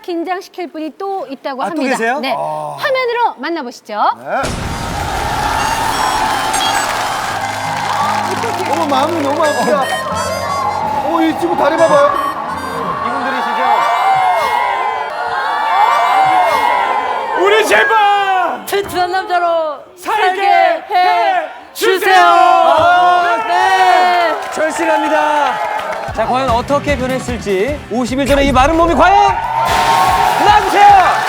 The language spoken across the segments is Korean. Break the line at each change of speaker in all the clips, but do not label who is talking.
긴장시킬 분이 또 있다고 합니다.
또 계세요?
네, 화면으로 만나보시죠.
네. 어머, 마음이 너무 아프다. 이 친구 다리 봐봐요.
이분들이시죠?
우리 제발
튼튼한 남자로
살게 해
주세요. 네.
절실합니다. 자, 과연 어떻게 변했을지 50일 전에 이 마른 몸이 과연 나와주세요.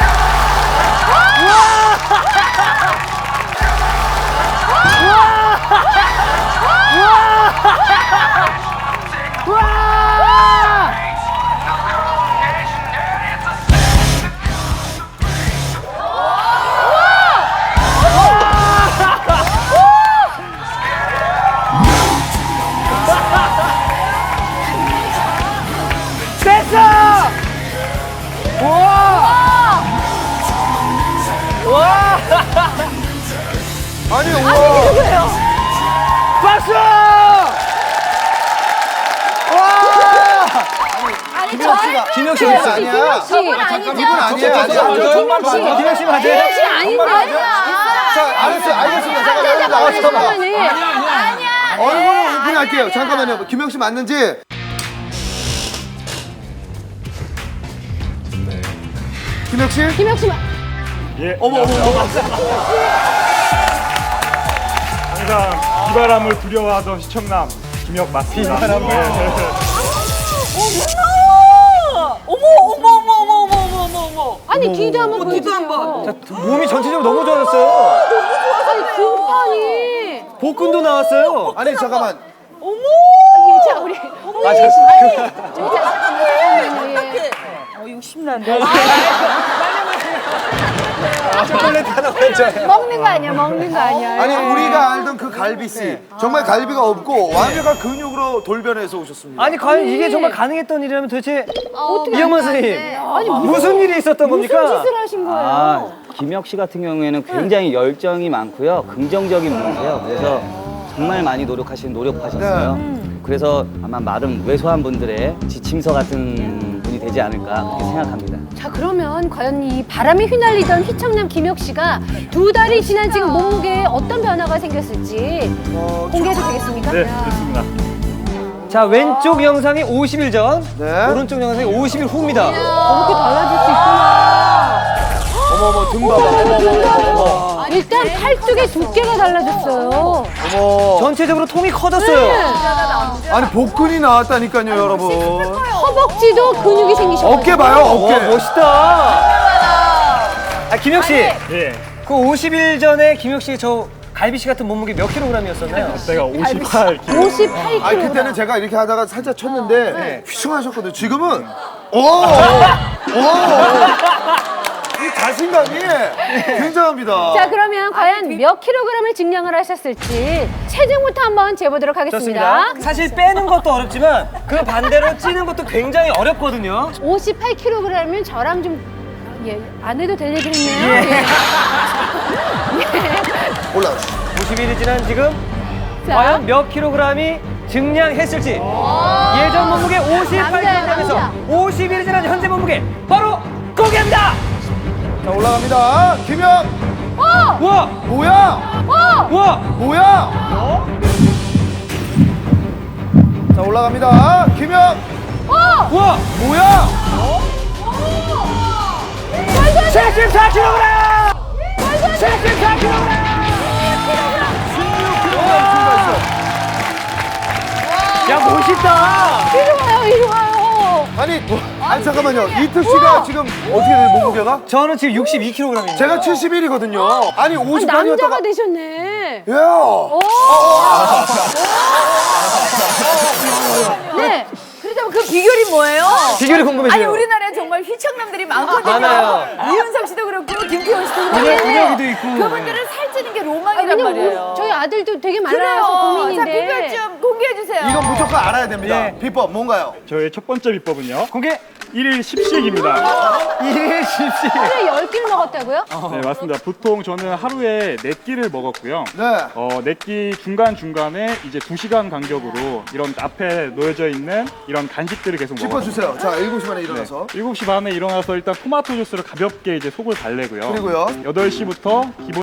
됐어! 우와! 와!
아니, 우와.
박수! 김혁 씨
아니야.
저분
잠깐,
아니죠?
이분 아니에요.
김혁 씨 맞아요?
김혁 씨 아닌데?
자, 알았어요. 알겠습니다. 잠깐, 나가서 얼굴을 오픈할게요. 잠깐만요. 김영 씨 맞는지. 김혁 씨?
김혁 씨
예.
어머.
항상 비바람을 두려워하던 시청남 김혁 맞습니다. 비바람을.
어머.
아니 뒤도 한번 보여주세요.
뒤도 한번.
몸이 전체적으로 너무 좋아졌어요.
아니 등판이.
복근도 나왔어요.
아니, 잠깐만.
자 우리
욕심난다.
초콜릿 하나 먼저.
먹는 거 아니야? 먹는 거 아니야?
아니, 우리가 알던 그 갈비씨. 정말 갈비가 없고 완벽한 근육으로 돌변해서 오셨습니다.
아니, 과연 이게 정말 가능했던 일이라면 도대체
어떻게
이영만 선생님
아니
무슨 일이 있었던 겁니까?
무슨 짓을 하신 거예요?
김혁 씨 같은 경우에는 굉장히 열정이 많고요. 긍정적인 분이세요. 그래서 정말 많이 노력하셨어요. 그래서 아마 마른 왜소한 분들의 지침서 같은 분이 되지 않을까 그렇게 생각합니다.
자 그러면 과연 이 바람에 휘날리던 휘청남 김혁 씨가 2달이 지난 지금 몸무게에 어떤 변화가 생겼을지 공개해도 되겠습니까?
네, 좋습니다.
자, 왼쪽 영상이 50일 전,
네.
오른쪽 영상이 50일 후입니다.
이렇게 달라질 수 있구나.
어머, 등 봐봐.
일단 팔뚝의 두께가 달라졌어요.
어머.
전체적으로 통이 커졌어요.
아니, 복근이 나왔다니까요, 여러분.
허벅지도 근육이 생기셨어요.
어깨 봐요, 어깨.
멋있다. 김혁 씨,
예.
그 50일 전에 김혁 씨 저 갈비 씨 같은 몸무게 몇 킬로그램이었었나요?
제가 58kg.
58kg.
아니, 그때는 제가 이렇게 하다가 살짝 쳤는데 휘청하셨거든요. 지금은 이 자신감이 굉장합니다.
자 그러면 과연 몇 킬로그램을 증량을 하셨을지 체중부터 한번 재보도록 하겠습니다.
좋습니다. 사실 빼는 것도 어렵지만 그 반대로 찌는 것도 굉장히 어렵거든요.
58kg이면 저랑 좀 안 해도 될 얘기겠네요. 예.
올라가시죠.
50일이 지난 지금
자.
과연 몇 킬로그램이 증량했을지 예전 몸무게 58kg에서
남자.
50일이 지난 현재 몸무게 바로 공개합니다.
자, 올라갑니다. 김영.
우와!
뭐야?
우와!
뭐야? 자, 올라갑니다. 김영.
우와!
뭐야?
74kg! 74kg!
16kg 증가했어요.
야, 멋있다!
이리 와요.
아니, 잠깐만요. 이특 씨가 지금 어떻게 돼요, 몸무게가?
저는 지금 62kg입니다.
제가 71이거든요. 아니,
남자가
58이었다가.
되셨네.
예.
네.
그렇다면 그 비결이 뭐예요?
비결이 궁금해져요.
아니 우리나라에 정말 휘청남들이 많거든요.
많아요.
이윤석 씨도 그렇고 김태원 씨도 그렇고.
근육이도 있고.
그분들은 살찌는 게 로망이란
왜냐면
말이에요.
저희 아들도 되게 많아서
그래요. 자
고민인데.
비결 좀 공개해 주세요.
이건 무조건 알아야 됩니다.
예.
비법 뭔가요?
저의 첫 번째 비법은요.
공개!
1일 10식입니다.
이십시.
하루에 10끼를 먹었다고요?
네, 맞습니다. 보통 저는 하루에 4끼를 먹었고요.
네.
4끼 중간중간에 이제 2시간 간격으로 이런 앞에 놓여져 있는 이런 간식들을 계속 먹었어요.
짚어주세요. 자, 7시 반에 일어나서.
7시 반에 일어나서 일단 토마토 주스를 가볍게 이제 속을 달래고요.
그리고요?
8시부터 기본